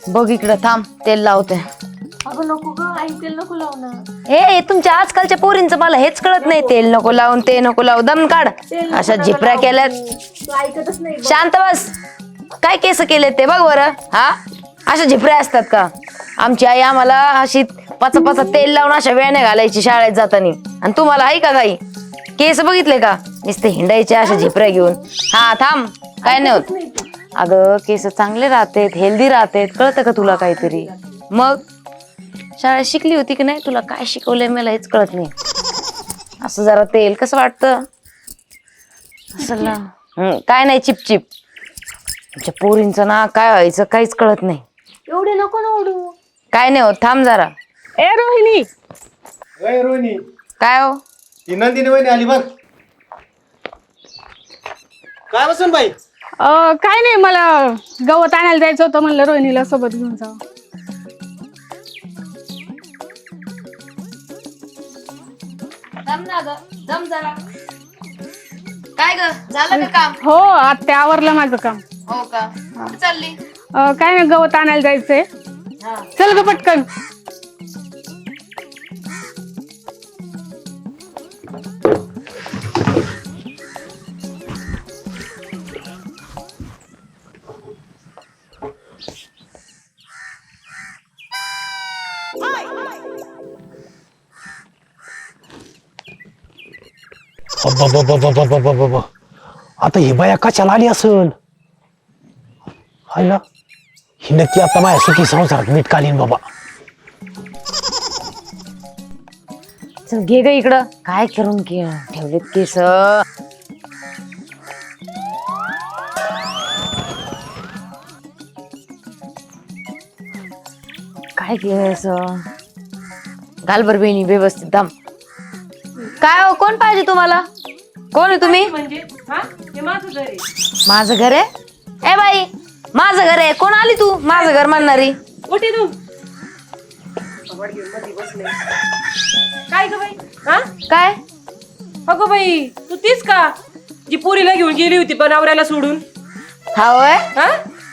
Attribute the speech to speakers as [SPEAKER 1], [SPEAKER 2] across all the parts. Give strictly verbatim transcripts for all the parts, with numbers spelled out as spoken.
[SPEAKER 1] बघ इकडं थांब तेल लावते.
[SPEAKER 2] अगं नको ग आई, तेल नको लावणं.
[SPEAKER 1] ए तुमच्या आजकालच्या पोरींचं मला हेच कळत नाही. तेल नको लावून ते नको लावू दम काढ. अशा झिपऱ्या केल्यात.
[SPEAKER 2] तू ऐकतच नाही.
[SPEAKER 1] शांत बस. काय केस केले ते बघ बरं. हा अशा झिपऱ्या असतात का? आमची आई आम्हाला अशी पाचा पाचा तेल लावून अशा वेण्या घालायची शाळेत जातानी. आणि तुम्हाला आहे का काही केस बघितले का? नुसते हिंडायचे अशा झिपऱ्या घेऊन. हा थांब काय नाही होत. अगं केस चांगले राहतेत, हेल्दी राहतेत. कळतं का तुला काहीतरी? मग शाळेत शिकली होती की नाही? तुला काय शिकवलंय मला हेच कळत नाही. असं जरा तेल कसं वाटतं असं ना. काय नाही चिपचिप. तुमच्या पोरींचं ना काय व्हायचं काहीच कळत नाही.
[SPEAKER 2] एवढे नको ना ओढू.
[SPEAKER 1] काय नाही होत थांब जरा.
[SPEAKER 2] ए रोहिणी.
[SPEAKER 3] ए रोहिणी,
[SPEAKER 1] काय हो?
[SPEAKER 3] ती नंदिनी वहिनी आली बघ. काय बसून बाई?
[SPEAKER 4] काय नाही, मला गवत आणायला जायचं होतं, म्हणलं रोहिणीला सोबत घेऊन जाऊ.
[SPEAKER 1] काय ग झालं का काम?
[SPEAKER 4] हो आत्या आवरलं माझं काम.
[SPEAKER 1] हो का? चालली
[SPEAKER 4] अं, काय नाही, गवत आणायला जायचंय. चल ग पटकन.
[SPEAKER 5] बाबा आता ही बाया कशाला आली असल? हाय ना, ही नक्की आता माझ्या सुखी संसारात मीठ कालीन बाबा.
[SPEAKER 1] चल घे ग इकडं. काय करून घे ठेवलेत केस. काय केस घाल बर बेनी व्यवस्थित दाम. काय हो कोण पाहिजे तुम्हाला? कोण आहे तुम्ही?
[SPEAKER 2] म्हणजे हा हे माझं घर आहे.
[SPEAKER 1] माझं घर आहे? ए बाई माझं घर आहे. कोण आली तू माझं घर म्हणणारी?
[SPEAKER 2] उठी तू. कबड घेऊन मध्ये बसले. काय ग बाई? हा
[SPEAKER 1] काय?
[SPEAKER 2] अगं बाई तू तीच का जी पोरीला घेऊन गेली होती पण नवऱ्याला सोडून?
[SPEAKER 1] हा होय.
[SPEAKER 2] हा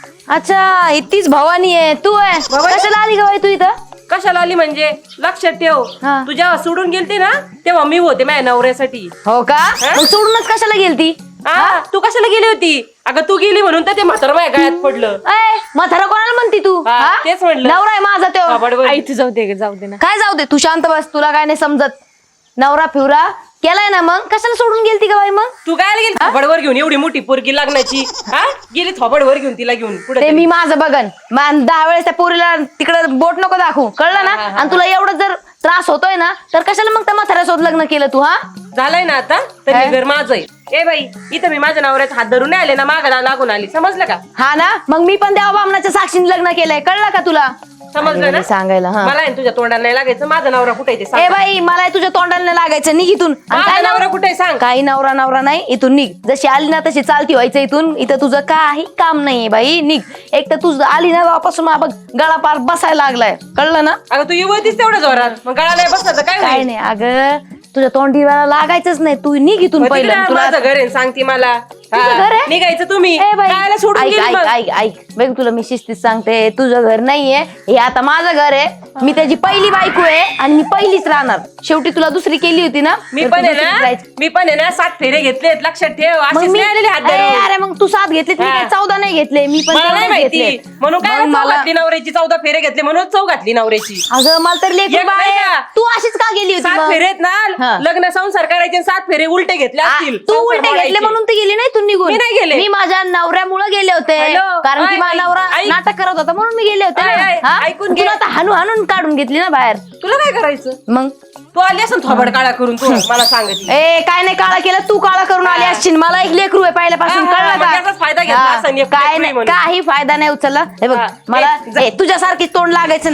[SPEAKER 1] अच्छा इतकीच भवानी आहे तू आहे.
[SPEAKER 2] भवानी?
[SPEAKER 1] कशाला आली ग बाई तू इथं?
[SPEAKER 2] कशाला आली म्हणजे लक्षात ठेव,
[SPEAKER 1] हा.
[SPEAKER 2] तू जेव्हा सोडून गेलती ना तेव्हा मी होते माझ्या नवऱ्यासाठी.
[SPEAKER 1] हो का? मग सोडूनच कशाला गेलती?
[SPEAKER 2] हा तू कशाला गेली होती? अगं तू गेली म्हणून तर ते म्हातारं माझ्या गळ्यात पडलं.
[SPEAKER 1] ए म्हातारा कोणाला म्हणती तू?
[SPEAKER 2] हा,
[SPEAKER 1] हा?
[SPEAKER 2] तेच म्हणलं.
[SPEAKER 1] नवरा आहे माझा तो.
[SPEAKER 2] हा, बडबड.
[SPEAKER 4] आई तू जाऊ दे, जाऊ दे ना.
[SPEAKER 1] काय जाऊ दे? तू शांत बस. तुला काय नाही समजत. नवरा फिवरा केलाय ना, मग कशाला सोडून गेलती का बाई? मग
[SPEAKER 2] तू काय गेली थोबडवर घेऊन एवढी मोठी पोरगी लग्नाची? हा गेली थोबडवर घेऊन तिला घेऊन पुढे.
[SPEAKER 1] ते मी माझं बघन. मान दहा वेळेस त्या पोरीला तिकडे बोट नको दाखवू, कळलं ना? आणि तुला एवढं जर त्रास होतोय ना तर कशाला मग त्या म्हाताऱ्यासोबत लग्न केलं तू? हा
[SPEAKER 2] झालंय ना आता तर हे घर माझं आहे. ए बाई इथं मी माझ्या नवऱ्याचा हात धरून नाही आले ना, मागाला लागून आली. समजलं का?
[SPEAKER 1] हा ना, मग मी पण देवा बामणाच्या साक्षीने लग्न केलंय, कळलं का तुला?
[SPEAKER 2] समजलं ना?
[SPEAKER 1] सांगायला हा.
[SPEAKER 2] मला आहे ना तुझ्या तोंडाला नाही लागायचं. माझा नवरा कुठे आहे ते
[SPEAKER 1] ए
[SPEAKER 2] सांग.
[SPEAKER 1] बाई मला तुझ्या तोंडाला नाही लागायचं, निघ इथून. आणि
[SPEAKER 2] माझा
[SPEAKER 1] काय
[SPEAKER 2] नवरा
[SPEAKER 1] नवरा
[SPEAKER 2] कुठे आहे सांग.
[SPEAKER 1] काही नवरा नवरा नाही, इथून निघ. जशी आली ना तशी चालती व्हायचं इथून. इथं तुझं काही काम नाहीये बाई, निघ. एक तर तुझं आली ना तेव्हापासून बघ गळा पार बसायला लागलाय, कळलं ना?
[SPEAKER 2] अगं तू येवतीस तेवढं जोरात, मग गळा नाही बसला तर काय
[SPEAKER 1] काय
[SPEAKER 2] होईल?
[SPEAKER 1] नाही अगं, तुझ्या तोंडीला लागायचंच नाही. तू निघ इथून
[SPEAKER 2] मग तिकडे
[SPEAKER 1] पहिलं. तुला
[SPEAKER 2] माझं घर आहे सांगती मला.
[SPEAKER 1] तुझं
[SPEAKER 2] हा,
[SPEAKER 1] घर आहे?
[SPEAKER 2] निघायचं तुम्ही.
[SPEAKER 1] ए बाई,
[SPEAKER 2] कायला सोडून
[SPEAKER 1] ऐक
[SPEAKER 2] गेली
[SPEAKER 1] ऐक
[SPEAKER 2] मग?
[SPEAKER 1] ऐक ऐक बघ तुला मी शिस्तीत सांगते, तुझं घर नाहीये हे, आता माझं घर आहे. मी त्याची पहिली बायको आहे आणि मी पहिलीच राहणार. शेवटी तुला दुसरी केली होती ना,
[SPEAKER 2] मी
[SPEAKER 1] तर
[SPEAKER 2] पण
[SPEAKER 1] तू
[SPEAKER 2] आहे
[SPEAKER 1] दुसरीच
[SPEAKER 2] ना
[SPEAKER 1] राहायची.
[SPEAKER 2] मी पण आहे ना सात फेरे घेतलेत, लक्षात ठेव.
[SPEAKER 1] मग
[SPEAKER 2] अशीच
[SPEAKER 1] मी
[SPEAKER 2] नाही आलेली हात
[SPEAKER 1] अरे
[SPEAKER 2] धरून.
[SPEAKER 1] अरे मग तू सात घेतले, मी
[SPEAKER 2] हा.
[SPEAKER 1] काय चौदा नाही घेतले. मी पण
[SPEAKER 2] मला नाही
[SPEAKER 1] तेवढेच
[SPEAKER 2] माहिती
[SPEAKER 1] घेतले.
[SPEAKER 2] म्हणून काय
[SPEAKER 1] मग
[SPEAKER 2] चौ
[SPEAKER 1] मला
[SPEAKER 2] घातली नवऱ्याची. चौदा फेरे घेतले म्हणून चौ घातली नवऱ्याची.
[SPEAKER 1] अगं मला तर लेकरू
[SPEAKER 2] एक
[SPEAKER 1] बाळ
[SPEAKER 2] नाही
[SPEAKER 1] आहे.
[SPEAKER 2] का?
[SPEAKER 1] तू अशीच का गेली होती
[SPEAKER 2] सात
[SPEAKER 1] मग?
[SPEAKER 2] फेरेत
[SPEAKER 1] हा.
[SPEAKER 2] ना लग्न संसार करायचे आणि सात फेरे उलटे घेतले
[SPEAKER 1] आ,
[SPEAKER 2] असतील.
[SPEAKER 1] तू
[SPEAKER 2] संसार
[SPEAKER 1] उलटे
[SPEAKER 2] मोडायचे.
[SPEAKER 1] घेतले म्हणून ते गेली नाही तू निघून?
[SPEAKER 2] मी नाही गेले.
[SPEAKER 1] मी माझ्या नवऱ्यामुळे गेले होते.
[SPEAKER 2] हॅलो?
[SPEAKER 1] कारण की
[SPEAKER 2] ऐक,
[SPEAKER 1] माझा
[SPEAKER 2] ऐक,
[SPEAKER 1] नवरा
[SPEAKER 2] ऐक.
[SPEAKER 1] नाटक करत होता म्हणून मी गेले होते
[SPEAKER 2] ऐक,
[SPEAKER 1] ना.
[SPEAKER 2] ऐक,
[SPEAKER 1] हा?
[SPEAKER 2] ऐकून घे.
[SPEAKER 1] तुला आता हाणू हाणून काढून घेतली ना बाहेर.
[SPEAKER 2] तुला काय करायचं?
[SPEAKER 1] मग
[SPEAKER 2] तू आली असं थोबड काळा करून तू मला सांगत.
[SPEAKER 1] ए काय नाही काळा केलं, तू काळा करून आली असशील. मला एक लेकरू आहे पहिल्यापासून,
[SPEAKER 2] हा, हा,
[SPEAKER 1] कळलं
[SPEAKER 2] मग त्याचाच फायदा घेतला
[SPEAKER 1] हा.
[SPEAKER 2] असेल, एक
[SPEAKER 1] काय
[SPEAKER 2] लेकरू आहे
[SPEAKER 1] नाही
[SPEAKER 2] म्हणून.
[SPEAKER 1] काही फायदा नाही उचलला. हे बघ
[SPEAKER 2] हा.
[SPEAKER 1] मला
[SPEAKER 2] ए, जा.
[SPEAKER 1] ए, तुझ्यासारखी तोंड लागायचं नाही. ऐक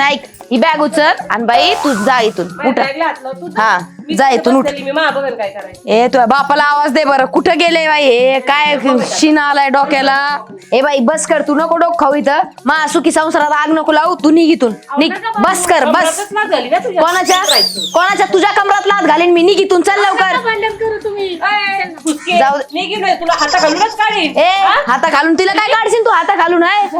[SPEAKER 1] ही बॅग उचल आणि बाई तू जा इथून
[SPEAKER 2] माझ्या
[SPEAKER 1] उठ
[SPEAKER 2] बॅगला हात लाव तू.
[SPEAKER 1] हा
[SPEAKER 2] मी
[SPEAKER 1] जा
[SPEAKER 2] तिथं
[SPEAKER 1] इथून उठ
[SPEAKER 2] बसलेली, मी मा बघन काय करायचं.
[SPEAKER 1] ए तुझ्या बापाला आवाज दे बरं कुठं गेले बाई हे काय शिना आलाय डोक्याला. ए बाई बस कर तू नको डोक खाऊ इथं मा सुखी संसाराला आग नको लावू तू निघ इथून निघ बस कर बस
[SPEAKER 2] कमरातच नाच झाली ना तुझ्या.
[SPEAKER 1] कोणाच्या कोणाच्या तुझ्या कमरात लात घालीन मी निघ इथून चल लवकर
[SPEAKER 4] भांडण करू तुम्ही
[SPEAKER 2] ए, फुसके.
[SPEAKER 1] जाऊ दे.
[SPEAKER 2] निघीन होय, तुला हाता घालूनच काढीन.
[SPEAKER 1] ए हाता घालून तिला काय काढशील तू हाता घालून आहे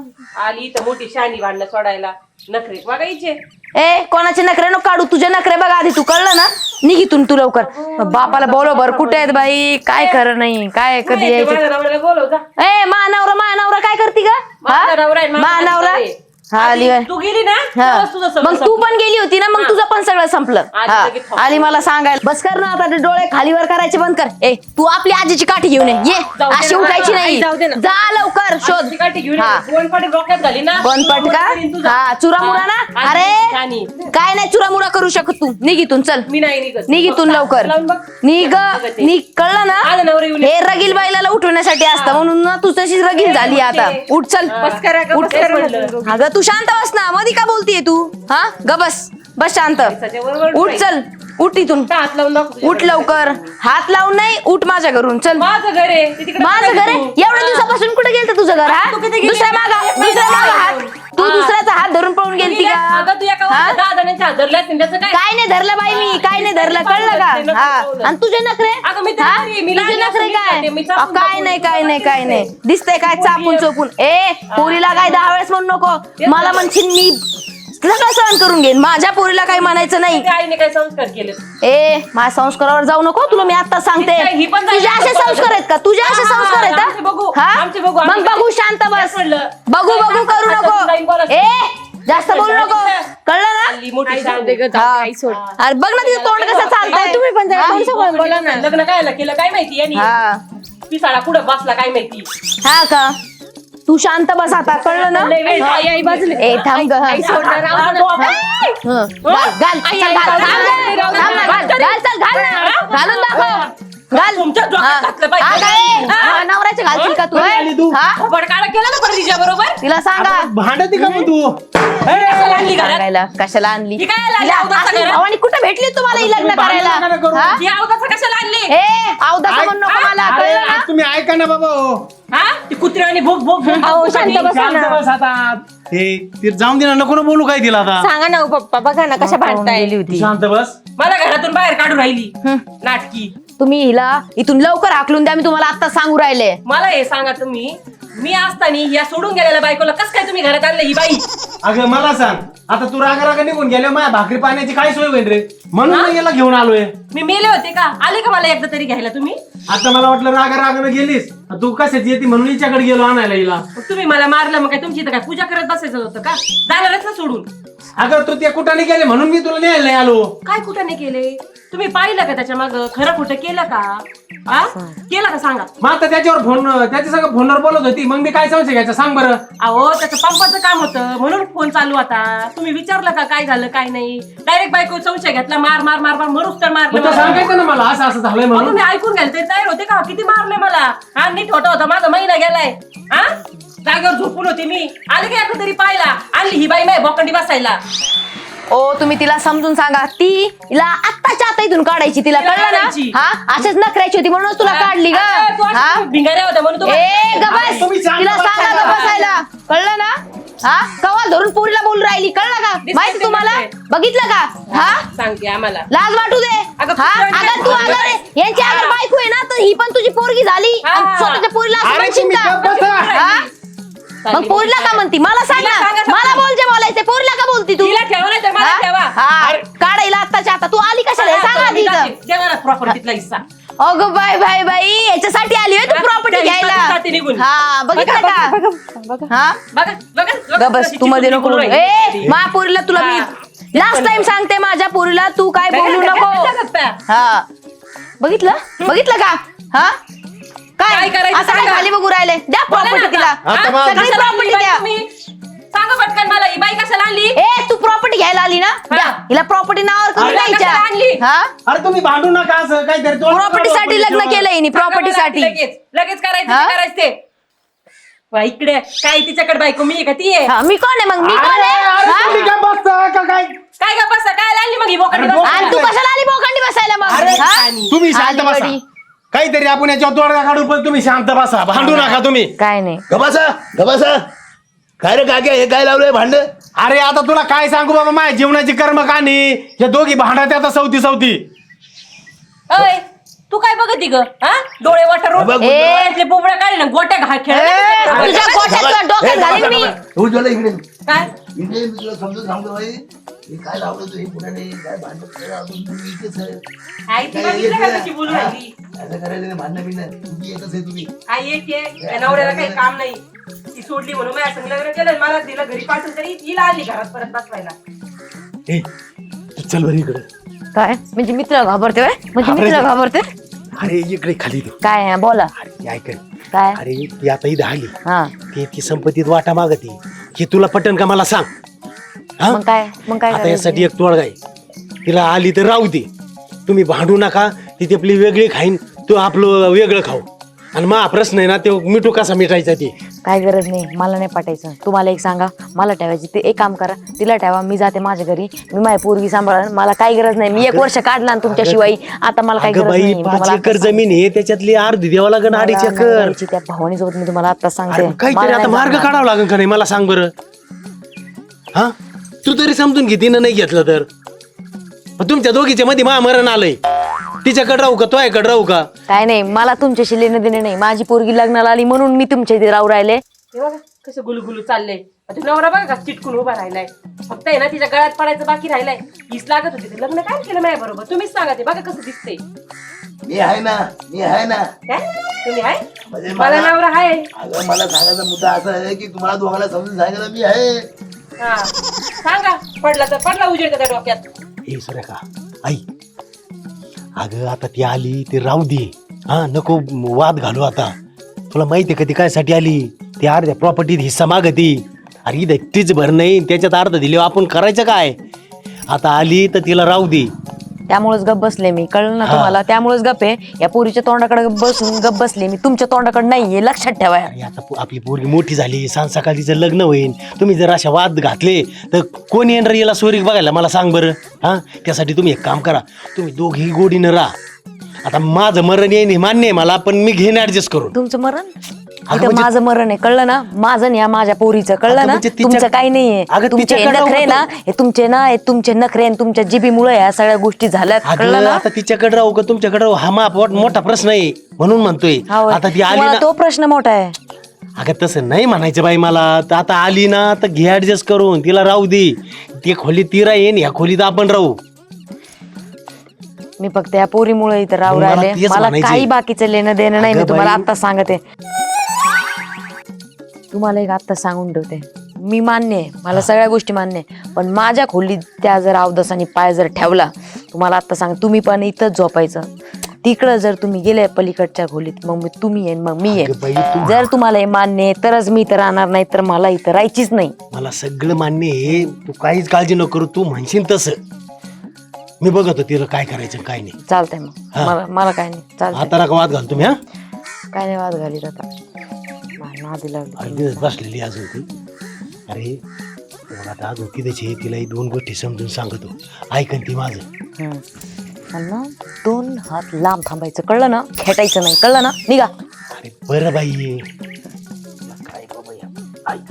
[SPEAKER 2] आली तर मोठी शानी भांडणं सोडायला नखरे बघायचे.
[SPEAKER 1] ए कोणाचे नखरे नको काढू तुझे नखरे बघ आधी तू कळलं ना निघ इथून तू लवकर बापाला बोलव कुठे आहेत बाई काय खरं नाही काय कधी यायचं
[SPEAKER 2] माझ्या नवऱ्याला बोलव जा.
[SPEAKER 1] ए मानवरा मानवरा काय करती का
[SPEAKER 2] माझा नवरा आहे, माझा
[SPEAKER 1] मानवरा
[SPEAKER 2] नवरा आहे.
[SPEAKER 1] हा आली
[SPEAKER 2] आधी तू गेली ना
[SPEAKER 1] हा.
[SPEAKER 2] तेव्हाच तुझं सगळं
[SPEAKER 1] मग तू
[SPEAKER 2] संपलं.
[SPEAKER 1] पण गेली होती ना मग
[SPEAKER 2] हा.
[SPEAKER 1] तुझं पण सगळं संपलं
[SPEAKER 2] आधी
[SPEAKER 1] हा.
[SPEAKER 2] लगेच थांब.
[SPEAKER 1] आली मला सांगायला बस कर ना आता ते डोळे खालीवर करायचे बंद कर ए तू आपली आजीची काठी घेऊन ये ये
[SPEAKER 2] जाऊ दे
[SPEAKER 1] अशी
[SPEAKER 2] ना.
[SPEAKER 1] उठायची
[SPEAKER 2] आई,
[SPEAKER 1] नाही
[SPEAKER 2] जाऊ दे ना.
[SPEAKER 1] जा लवकर शोध
[SPEAKER 2] आजची काठी घेऊन
[SPEAKER 1] हा.
[SPEAKER 2] ये. दोन पाटी डोक्यात घाली ना
[SPEAKER 1] बंद पटका
[SPEAKER 2] करीन तुझं.
[SPEAKER 1] हा चुरामुरा ना
[SPEAKER 2] हा.
[SPEAKER 1] अरे
[SPEAKER 2] आधी शानी.
[SPEAKER 1] काय नाही चुरामुरा करू शकत तू निघ इथून चल
[SPEAKER 2] मी नाही निघत.
[SPEAKER 1] निघ इथून लवकर
[SPEAKER 2] लावून बघ.
[SPEAKER 1] निघ
[SPEAKER 2] बघते.
[SPEAKER 1] निघ कळलं ना
[SPEAKER 2] माझा नवरा येऊन
[SPEAKER 1] हे रगील बाईला उठवण्यासाठी असतं म्हणून ना तू तशीच रगील झाली आता उठ चल
[SPEAKER 2] बस करा ग,
[SPEAKER 1] उठ
[SPEAKER 2] बस करा म्हटलं.
[SPEAKER 1] अगं तू शांत बस ना मधी का बोलतीये तू हा ग बस बस शांत
[SPEAKER 2] त्याच्याबरोबर
[SPEAKER 1] उठ
[SPEAKER 2] नाही.
[SPEAKER 1] चल उठ इथून
[SPEAKER 2] हात लावून दाखव तुझ्या
[SPEAKER 1] उठ
[SPEAKER 2] घरी.
[SPEAKER 1] लवकर हात लावून नाही उठ माझ्या घरून चल
[SPEAKER 2] माझं घर आहे ते तिकडे
[SPEAKER 1] माझं घर आहे
[SPEAKER 2] तू.
[SPEAKER 1] एवढ्या दिवसापासून कुठे गेलत तुझं घर हा
[SPEAKER 2] तू किती गेली?
[SPEAKER 1] दुसऱ्या मागा
[SPEAKER 2] एक
[SPEAKER 1] दुसऱ्या
[SPEAKER 2] महिना
[SPEAKER 1] मागा हात
[SPEAKER 2] झाला.
[SPEAKER 1] तू
[SPEAKER 2] हा.
[SPEAKER 1] दुसऱ्याचा हात धरून पळून गेलती
[SPEAKER 2] गेली
[SPEAKER 1] का
[SPEAKER 2] अगं तू एका
[SPEAKER 1] हा?
[SPEAKER 2] वर्षात दहा जणांच्या हात धरले असतील त्याचं काय
[SPEAKER 1] काय नाही धरलं बाई मी काय नाही धरलं कळलं का हा आणि तुझे नखरे
[SPEAKER 2] अगं मी
[SPEAKER 1] हा?
[SPEAKER 2] तरी मी
[SPEAKER 1] तुझे
[SPEAKER 2] लहान
[SPEAKER 1] नखरे
[SPEAKER 2] असताना
[SPEAKER 1] काय
[SPEAKER 2] मी
[SPEAKER 1] अ,
[SPEAKER 2] चापून
[SPEAKER 1] काय
[SPEAKER 2] चापून
[SPEAKER 1] नाही काय नाही काय
[SPEAKER 2] दिसते.
[SPEAKER 1] नाही दिसतंय काय चापून चोपून ए पोरीला काय दहा वेळेस म्हणू नको मला म्हणशील मी सगळं सहन करून घेईन माझ्या पोरीला काही म्हणायचं नाही
[SPEAKER 2] त्या आईने काय संस्कार केले
[SPEAKER 1] ए माझ्या संस्कारावर जाऊ नको तुला मी आता सांगते
[SPEAKER 2] ही पण जाईल.
[SPEAKER 1] तुझे असे संस्कार आहेत का तुझे असे
[SPEAKER 2] हा,
[SPEAKER 1] संस्कार आहेत
[SPEAKER 2] आमचे बघू,
[SPEAKER 1] हा? हा?
[SPEAKER 2] आमचे बघू,
[SPEAKER 1] मग
[SPEAKER 2] आमचे
[SPEAKER 1] बघू
[SPEAKER 2] बघू.
[SPEAKER 1] शांत बस
[SPEAKER 2] तेच म्हणलं.
[SPEAKER 1] बघू
[SPEAKER 2] काय
[SPEAKER 1] बघू करू
[SPEAKER 2] आता तुझं लाईन
[SPEAKER 1] नको
[SPEAKER 2] बोलायचं.
[SPEAKER 1] ए जास्त बोलू नको कळलं
[SPEAKER 2] आली मोठी शानी.
[SPEAKER 1] ना हा. अरे बघ ना तिचं तोंड कसं चालतंय तुम्ही पण
[SPEAKER 2] बोला ना लग्न काय केलं काय माहिती यांनी
[SPEAKER 1] हा
[SPEAKER 2] पिसाळा कुठं बसला काय माहिती
[SPEAKER 1] हा का तू शांत बस आता कळलं ना ए थांब ग हा. हं. घाल घाल चल, घाल घाल, घाल, घाल ना, घाल, घाल, चल, घाल ना. घालून दाखव घाल
[SPEAKER 2] तुमच्या डोक्यात
[SPEAKER 1] हा.
[SPEAKER 2] घातलं पाहिजे.
[SPEAKER 1] हा काय?
[SPEAKER 2] हा.
[SPEAKER 1] हा, नवऱ्याचे घालशील का तू
[SPEAKER 3] आली तू.
[SPEAKER 1] हा
[SPEAKER 2] बडकाळा केला ना परत तिच्या बरोबर
[SPEAKER 1] तिला सांगा
[SPEAKER 3] भांडती का मग तू
[SPEAKER 2] कशाला आणली घरात
[SPEAKER 1] सांगायला कशाला आणली
[SPEAKER 2] ही काय आणली
[SPEAKER 1] तिला
[SPEAKER 2] अवताचा
[SPEAKER 1] असली
[SPEAKER 2] घरात?
[SPEAKER 1] भावानी कुठे भेटली तुम्हाला ही लग्न
[SPEAKER 3] भांडण नका
[SPEAKER 1] करायला
[SPEAKER 3] करू.
[SPEAKER 1] हा?
[SPEAKER 2] ती अवताचा कशाला आणली
[SPEAKER 1] ए अवदासा
[SPEAKER 3] ऐक-
[SPEAKER 1] म्हणू नको मला
[SPEAKER 3] अरे
[SPEAKER 1] कळलं ना
[SPEAKER 3] आज तुम्ही ऐका ना बाबा हो
[SPEAKER 2] हा ती कुत्र्याने भोग भोग भोग भोग
[SPEAKER 1] शांत
[SPEAKER 2] भोग
[SPEAKER 1] बसा
[SPEAKER 3] शांत बस आता हे ती जाऊन दे ना नको ना बोलू काय तिला आता
[SPEAKER 6] सांगा ना हो पप्पा बघा ना कशा भांडताय
[SPEAKER 1] गेली
[SPEAKER 3] तू
[SPEAKER 1] होती
[SPEAKER 3] शांत बस
[SPEAKER 2] मला घरातून बाहेर काढून राहिली
[SPEAKER 1] हं.
[SPEAKER 2] नाटकी
[SPEAKER 1] तुम्ही हिला इथून लवकर हाकलून द्या मी तुम्हाला आता सांगू राहिले
[SPEAKER 2] मला हे सांगा तुम्ही मी असताना या सोडून गेलेल्या बायकोला कस काय तुम्ही घरात आणलं ही बाई
[SPEAKER 3] अगं मला सांग आता तू रागा रागा निघून गेल्या माझ्या भाकरी पाण्याची काय सोय होईल रे म्हणून मी याला घेऊन आलोय
[SPEAKER 2] मी मेले होते का आले का मला एकदा तरी घ्यायला तुम्ही
[SPEAKER 3] आता मला वाटलं रागा रागानं गेलीस तू कशाची येते म्हणून हिच्याकडे गेलो आणायला हिला
[SPEAKER 2] मग तुम्ही मला मारलं मग काय तुमची इथं काय पूजा करत बसायचं होतं का जाणारच ना सोडून
[SPEAKER 3] अगं तू त्या कुठाने गेले म्हणून मी तुला न्यायला नाही आलो
[SPEAKER 2] काय कुठं नाही केले तुम्ही पाहिलं का त्याच्या माग खरं खोटं केलं का हा केलं का सांगा
[SPEAKER 3] मग आता त्याच्यावर फोन त्याच्या सगळं फोनवर बोलत होती मग मी काय संशय घ्यायचा सांग बरं
[SPEAKER 2] अहो त्याचं पंपाचं काम होतं म्हणून फोन चालू आता तुम्ही विचारलं का काय झालं काय नाही डायरेक्ट बायको संशय घेतला मार मार मार मार मरूच तर मारलं
[SPEAKER 3] मग तो
[SPEAKER 2] मला.
[SPEAKER 3] सांगायचं ना मला असं असं झालंय
[SPEAKER 2] अहो,
[SPEAKER 3] म्हणून
[SPEAKER 2] तुम्ही ऐकून घ्याल ते तयार होते का किती मारले मला हा नीट होता होता माझा महिना गेलाय हा जागेवर झोपून होती मी आले का एकदा तरी पाहिला आणली ही बाई माय बोकंडी बसायला
[SPEAKER 1] ओ तुम्ही तिला समजून सांगा ती तिला आत्ताच्या आता इथून काढायची तिला
[SPEAKER 2] तिला
[SPEAKER 1] कळलं
[SPEAKER 2] काढायची.
[SPEAKER 1] ना हा असेच नखऱ्याची होती म्हणूनच तुला काढली ग
[SPEAKER 2] अरे, तू अशा
[SPEAKER 1] हा
[SPEAKER 2] भिंगाऱ्या होत्या म्हणून तू
[SPEAKER 1] ए गबस
[SPEAKER 3] तुम्ही शांत
[SPEAKER 1] तिला
[SPEAKER 3] बसा.
[SPEAKER 1] सांगा गं बसायला कळलं ना हा कवा धरून पोरीला बोलून राहिली कळलं का
[SPEAKER 2] दिसतंय
[SPEAKER 1] माहिती
[SPEAKER 2] ते
[SPEAKER 1] तुम्हाला
[SPEAKER 2] दिसतंय.
[SPEAKER 1] बघितलं का हा
[SPEAKER 2] सांगते आम्हाला
[SPEAKER 1] लाज वाटू दे
[SPEAKER 2] अगं,
[SPEAKER 1] हा
[SPEAKER 2] कुत्र्याने
[SPEAKER 1] अगं तू
[SPEAKER 2] काय
[SPEAKER 1] अगं रे, यांची अगर बायको आहे ना तर ही पण तुझी पोरगी झाली
[SPEAKER 2] हा.
[SPEAKER 1] आणि स्वतःच्या पोरीला असं
[SPEAKER 3] अरे
[SPEAKER 1] म्हणशील
[SPEAKER 3] तुम्ही
[SPEAKER 1] का
[SPEAKER 3] गप्प बसा.
[SPEAKER 1] हा? मग पोरीला का म्हणती मला सांग
[SPEAKER 2] तिला
[SPEAKER 1] ना
[SPEAKER 2] सांगा
[SPEAKER 1] मला
[SPEAKER 2] फक्त.
[SPEAKER 1] बोल जे बोलायचे पोरीला का बोलती तू
[SPEAKER 2] तिला ठेवा नाही तर मला
[SPEAKER 1] हा?
[SPEAKER 2] ठेवा
[SPEAKER 1] हा काढायला आत्ताच्या आता तू आली कशाला हे सांग आधी इथं.
[SPEAKER 2] देवा ना प्रॉपर्टीतला हिस्सा
[SPEAKER 1] अगं बाय बाय बाई याच्यासाठी आली होय तू
[SPEAKER 2] हा,
[SPEAKER 1] प्रॉपर्टी
[SPEAKER 2] त्या हिस्सासाठी निघून.
[SPEAKER 1] घ्यायला हा बघितलं
[SPEAKER 2] बघा,
[SPEAKER 1] का हा
[SPEAKER 2] बघा बघा
[SPEAKER 1] ग
[SPEAKER 2] बघा,
[SPEAKER 1] बस
[SPEAKER 2] कशी
[SPEAKER 1] तू मध्ये
[SPEAKER 2] चिडून
[SPEAKER 1] नको
[SPEAKER 2] बोलू
[SPEAKER 1] बोलू.
[SPEAKER 2] राहिली.
[SPEAKER 1] ए माझ्या पोरीला तुला मी
[SPEAKER 2] हा.
[SPEAKER 1] लास्ट टाइम सांगते माझ्या पोरीला तू काय
[SPEAKER 2] काय
[SPEAKER 1] बोलू
[SPEAKER 2] काय
[SPEAKER 1] नको
[SPEAKER 2] काय करता?
[SPEAKER 1] हा बघितलं बघितलं का हा
[SPEAKER 2] काय
[SPEAKER 1] काय
[SPEAKER 2] करायचं
[SPEAKER 1] आता काय
[SPEAKER 2] सांगा.
[SPEAKER 1] खाली बघू राहिले द्या
[SPEAKER 2] बोला ना
[SPEAKER 1] प्रॉपर्टी तिला
[SPEAKER 2] आता.
[SPEAKER 3] आता
[SPEAKER 2] हा?
[SPEAKER 3] मग-
[SPEAKER 1] सगळी
[SPEAKER 2] कशाला आणली
[SPEAKER 1] प्रॉपर्टी
[SPEAKER 2] बाई
[SPEAKER 1] द्या
[SPEAKER 2] तुम्ही? सांगा पटकन मला ही बाई कशाला आणली
[SPEAKER 1] ए तू प्रॉपर्टी घ्यायला आली ना द्या
[SPEAKER 2] हा.
[SPEAKER 1] हिला प्रॉपर्टी नावावर करून
[SPEAKER 2] अरे,
[SPEAKER 1] द्यायच्या
[SPEAKER 2] कशाला आणली?
[SPEAKER 1] हा
[SPEAKER 3] अरे तुम्ही भांडू नका असं काहीतरी
[SPEAKER 1] प्रॉपर्टी साठी लग्न केलंय हिने प्रॉपर्टी साठी
[SPEAKER 2] लगेच लगेच करायचं
[SPEAKER 1] हा?
[SPEAKER 2] ते करायचं ते वा, इकडे काय तिच्याकडे बायको मी आहे का ती आहे
[SPEAKER 1] हा, मी कोण आहे मग मी कोण
[SPEAKER 3] अरे,
[SPEAKER 1] आहे
[SPEAKER 3] अरे,
[SPEAKER 1] हा?
[SPEAKER 3] तुम्ही काय बसता का काय
[SPEAKER 2] काय का बसा काय लागली मग ही बोकांडी
[SPEAKER 3] अरे,
[SPEAKER 2] बसायला?
[SPEAKER 1] आणि तू कशाला आली बोकांडी बसायला मग
[SPEAKER 3] अरे
[SPEAKER 1] हा?
[SPEAKER 3] तुम्ही शांत
[SPEAKER 1] आली
[SPEAKER 3] बसा
[SPEAKER 1] गडी.
[SPEAKER 3] काहीतरी आपण याच्यावर तोडगा काढू पण तुम्ही शांत बसा भांडू नका तुम्ही
[SPEAKER 1] काय नाही
[SPEAKER 7] गबासा गबासा काय रे काक्या हे काय लावलंय भांड
[SPEAKER 3] अरे आता तुला काय सांगू बाबा माझ्या जीवनाची कर्म कहाणी हे दोघी भांडत आता सवती सवती
[SPEAKER 2] अय तू काय बघती ग हा डोळे वाटरून
[SPEAKER 7] बघ,
[SPEAKER 1] ए.
[SPEAKER 2] डोळ्यातले बुबड्या काढले ना गोट्या घा खेळ
[SPEAKER 1] तुझ्या गोठ्यात तुला डोक्यात घालीन मी
[SPEAKER 7] उज्ज्वला इकडे
[SPEAKER 2] काय
[SPEAKER 7] इकडे मी तुला समजून सांगतो भाई हे काय लावलं तू हे पुण्याने काय भांडण करायला अजून तुम्ही इथेच आहे.
[SPEAKER 2] आई ती
[SPEAKER 7] काय
[SPEAKER 2] बघितलं का
[SPEAKER 7] येते?
[SPEAKER 2] कशी बोलू राहिली
[SPEAKER 7] असं करायचं नाही भांडणं बिंडणं तुम्ही एकच आहे तुम्ही
[SPEAKER 2] आई एक आहे या नवऱ्याला काही काम नाही ती सोडली म्हणून माझ्या संग लग्न केलं मला तिला घरी पाठवून तरी हिला आणली घरात परत बसवायला
[SPEAKER 3] ए तू चल बरं इकडे
[SPEAKER 1] काय म्हणजे मी तुला घाबरते व्हय? म्हणजे मी तुला घाबरते
[SPEAKER 3] अरे इकडे खाली दे
[SPEAKER 1] काय आहे? बोला
[SPEAKER 3] अरे ती ऐक
[SPEAKER 1] काय
[SPEAKER 3] अरे ती आता इथं आली
[SPEAKER 1] हा
[SPEAKER 3] ती ती संपत्तीत वाटा मागती हे तुला पटन का मला सांग हा?
[SPEAKER 1] मग काय मग काय
[SPEAKER 3] आता
[SPEAKER 1] करायचं?
[SPEAKER 3] यासाठी एक तोडगा आहे तिला आली तर राहू दे तुम्ही भांडू नका ती ती आपली वेगळी खाईन तू आपलं वेगळं खाऊ आणि मग हा प्रश्न आहे ना ते मिठू कसा मिटायचा ते
[SPEAKER 1] काय गरज नाही मला नाही पाठायचं तुम्हाला एक सांगा मला ठेवायची ते एक काम करा तिला ठेवा मी जाते माझ्या घरी मी माझी पोरगी सांभाळ मला काही गरज नाही मी एक वर्ष काढला ना तुमच्याशिवाय आता मला काही
[SPEAKER 3] अगं
[SPEAKER 1] गरज
[SPEAKER 3] बाई
[SPEAKER 1] नाही मी
[SPEAKER 3] पाच
[SPEAKER 1] तुम्हाला
[SPEAKER 3] एकर
[SPEAKER 1] आता सांगते.
[SPEAKER 3] जमीन आहे त्याच्यातली अर्धी द्यावं लागेल अडीच
[SPEAKER 1] मला
[SPEAKER 3] एकर
[SPEAKER 1] नवऱ्याची त्या भावानी सोबत मी तुम्हाला आता सांगते
[SPEAKER 3] अरे काहीतरी
[SPEAKER 1] मला
[SPEAKER 3] आता
[SPEAKER 1] नाही
[SPEAKER 3] मार्ग
[SPEAKER 1] जमणार.
[SPEAKER 3] काढावा लागेल का नाही मला सांग बरं हा तू तरी समजून घे तिनं नाही घेतलं तर मग तुमच्या दोघीच्या मध्ये महामरण आलंय तिच्याकडे राहू का तोयाकडे राहू का
[SPEAKER 1] काय नाही मला तुमच्याशी लेणं देणं नाही माझी पोरगी लग्नाला आली म्हणून मी तुमच्या इथे राहू राहिले
[SPEAKER 2] हे बघा कसं गुलगुलू चाललंय आता नवरा बघा का चिटकून उभा राहिलाय फक्त आहे ना तिच्या गळ्यात पडायचं बाकी राहिलाय हीच लागत होती ते लग्न काय केलं माझ्या बरोबर तुम्हीच सांगा ते बघा कसं दिसतंय
[SPEAKER 7] मी आहे ना मी आहे ना
[SPEAKER 2] काय तुम्ही आहे
[SPEAKER 7] म्हणजे
[SPEAKER 2] मला
[SPEAKER 7] मला
[SPEAKER 2] नवरा आहे
[SPEAKER 7] अगं मला सांगायचा मुद्दा असा आहे की तुम्हाला दोघांना समजून सांगायला मी आहे
[SPEAKER 2] हा सांगा पडला तर पडला उजेड का त्या डोक्यात
[SPEAKER 3] हे सुरेखा आई अगं आता ती आली ती राहू दे हा नको वाद घालू आता तुला माहिती आहे का ती कायसाठी आली ती अर्ध्या प्रॉपर्टीत हिस्सा मागती अरे इथं एकटीच भर नाही त्याच्यात अर्ध दिले आपण करायचं काय आता आली तर तिला राहू दे
[SPEAKER 1] त्यामुळेच गप बसले मी कळलं ना
[SPEAKER 3] हा.
[SPEAKER 1] तुम्हाला त्यामुळेच गप आहे या पोरीच्या तोंडाकडे बसून गप बसले मी तुमच्या तोंडाकडे नाहीये लक्षात ठेवा
[SPEAKER 3] अरे आता पो- आपली पोरगी मोठी झाली सांग सकाळीचं लग्न होईल तुम्ही जर अशा वाद घातले तर कोण येणार याला सोरीक बघायला मला सांग बरं हा त्यासाठी तुम्ही एक काम करा तुम्ही दोघी गोडीनं राहा आता माझं मरण येईन हे मान्य आहे मला पण मी घेईन ऍडजस्ट करून
[SPEAKER 1] तुमचं मरण
[SPEAKER 3] अगं
[SPEAKER 1] इथं
[SPEAKER 3] म्हणजे-
[SPEAKER 1] माझं मरण आहे कळलं ना माझं नाही हा माझ्या पोरीचं कळलं
[SPEAKER 3] अगं
[SPEAKER 1] ना
[SPEAKER 3] म्हणजे तिच्या-
[SPEAKER 1] तुमचं काही नाहीये
[SPEAKER 3] अगं
[SPEAKER 1] तुमचे हे
[SPEAKER 3] तिच्याकडं
[SPEAKER 1] नखरे ना
[SPEAKER 3] होतं.
[SPEAKER 1] हे तुमचे ना हे तुमचे नखरे आणि तुमच्या जिबीमुळे या सगळ्या गोष्टी झाल्यात कळलं
[SPEAKER 3] अगं
[SPEAKER 1] ना
[SPEAKER 3] आता तिच्याकडे राहू का तुमच्याकडे राहू हा मा पोट- मोठा प्रश्न आहे म्हणून म्हणतोय
[SPEAKER 1] हा होय.
[SPEAKER 3] आता ती आली
[SPEAKER 1] तुम्हाला
[SPEAKER 3] ना
[SPEAKER 1] तो प्रश्न मोठा आहे
[SPEAKER 3] अगं तसं नाही म्हणायचं बाई मला तर आता आली ना तर घे ऍडजस्ट करून तिला राहू दे ती खोली ती राहीन ह्या खोलीत आपण राहू
[SPEAKER 1] मी फक्त या पोरीमुळे इथं राहू
[SPEAKER 3] मला
[SPEAKER 1] राहिले
[SPEAKER 3] तेच
[SPEAKER 1] मला
[SPEAKER 3] म्हणायचंय.
[SPEAKER 1] काही बाकीचं लेणं देणं नाही मी
[SPEAKER 3] अगं
[SPEAKER 1] तुम्हाला
[SPEAKER 3] बाई.
[SPEAKER 1] आता सांगते तुम्हाला एक आत्ता सांगून ठेवते मी मान्य आहे मला सगळ्या गोष्टी मान्य आहे पण माझ्या खोलीत त्या जर अवदसाने पाय जर ठेवला तुम्हाला आत्ता सांग तुम्ही पण इथंच झोपायचं तिकडं जर तुम्ही गेले पलीकडच्या खोलीत मग मी तुम्ही येईन मग मी
[SPEAKER 3] अगं बाई,
[SPEAKER 1] येईन
[SPEAKER 3] तू-
[SPEAKER 1] जर तुम्हाला हे मान्य आहे तरच मी इथं राहणार नाही तर मला इथं राहायचीच नाही
[SPEAKER 3] मला सगळं मान्य आहे तू काहीच काळजी नको करू तू म्हणशील तसं मी बघतो तिला काय करायचं काय नाही
[SPEAKER 1] चालतंय मग
[SPEAKER 3] हा.
[SPEAKER 1] मला मला काय नाही चालतंय
[SPEAKER 3] आता नका वाद घाल तुम्ही हा
[SPEAKER 1] काय नाही वाद घालीत आता मला नादी लागली
[SPEAKER 3] अरे दिवस बसलेली अजून ती अरे मग आता अजून तिथे तिला ही दोन गोष्टी समजून सांगतो ऐकन ती माझं
[SPEAKER 1] हम्म. आणि ना दोन हात लांब थांबायचं कळलं ना खेटायचं नाही कळलं ना निघा
[SPEAKER 3] अरे बरं बाई काय बाबा या ऐक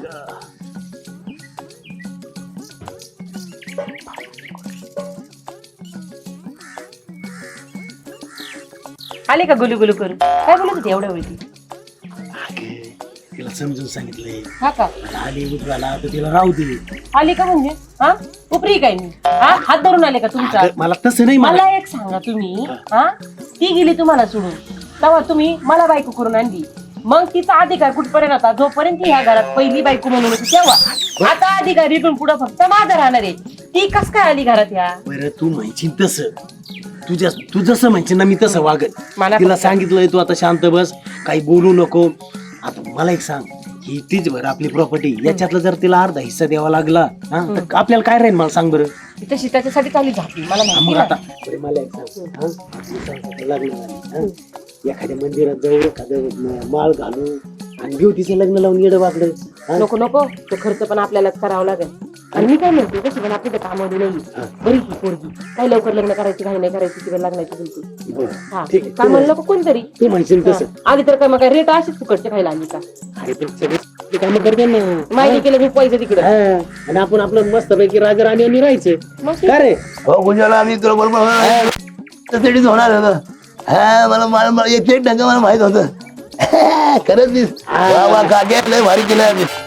[SPEAKER 2] आले का गुलू गुलू करून काय बोलत होती एवढ्या वेळी
[SPEAKER 3] अगे तिला समजून सांगितलंय
[SPEAKER 2] हा का
[SPEAKER 3] आली उठवायला तर तिला राहू दे
[SPEAKER 2] आली का म्हणजे हा उपरी काय मी हा हात धरून आले का तुमचा
[SPEAKER 3] अगं, मला तसं नाही मला
[SPEAKER 2] मला एक सांगा तुम्ही हा ती गेली तुम्हाला सोडून तेव्हा तुम्ही मला बायको करून आणली मग तिचा अधिकार कुठपर्यंत होता जोपर्यंत ती ह्या घरात पहिली बायको म्हणून होती तेव्हा आता अधिकार इथून पुढे फक्त माझा राहणार आहे ती कस काय आली घरात ह्या
[SPEAKER 3] बरं तू म्हणशील तसं तुझ्या तू जसं म्हणशील ना मी तसं वागत
[SPEAKER 2] मला
[SPEAKER 3] तिला सांगितलंय तू आता शांत बस काही बोलू नको आता मला एक सांग ही तीच बरं आपली प्रॉपर्टी याच्यातला जर तिला अर्धा हिस्सा द्यावा लागला हा तर आपल्याला काय राहील मला सांग बरं
[SPEAKER 2] ती तशी त्याच्यासाठी चालली झाली मला माहिती
[SPEAKER 3] मग
[SPEAKER 2] ना.
[SPEAKER 3] आता बरं, मला एक सांग हा? तू सांग, लग्न झालं, हा? एखाद्या मंदिरात जाऊ एखादं माळ घालू आणि घेऊ तिचं लग्न लावून येडं वागलं.
[SPEAKER 2] नको नको तो खर्च पण आपल्यालाच करावा लागेल. आणि मी काय म्हणते कशी पण आपली तर कामावली नाही बरी की पोरगी काय लवकर लग्न करायची काही नाही करायची किंवा लग्नाची बोलते हा
[SPEAKER 3] ठीक आहे.
[SPEAKER 2] कामाला नको कोणतरी
[SPEAKER 3] तू म्हणशील तसं.
[SPEAKER 2] हा. आधी तर काय मग काय रेट अशीच फुकटचे खायला आली का
[SPEAKER 3] अरे पण सगळे काम करते ना.
[SPEAKER 2] माहिती केलं मी पैसे तिकडे
[SPEAKER 3] हा. आणि आपण आपलं मस्त पैकी राजा राणी आणि राहायचं.
[SPEAKER 2] मग
[SPEAKER 3] का रे
[SPEAKER 7] हो गुंजाला आम्ही तुला बरोबर त्यासाठीच होणार होतं. हा मला मला मला एक एक ढंग मला माहित होतं. खरंच वा वा काके लय भारी केलं आम्ही.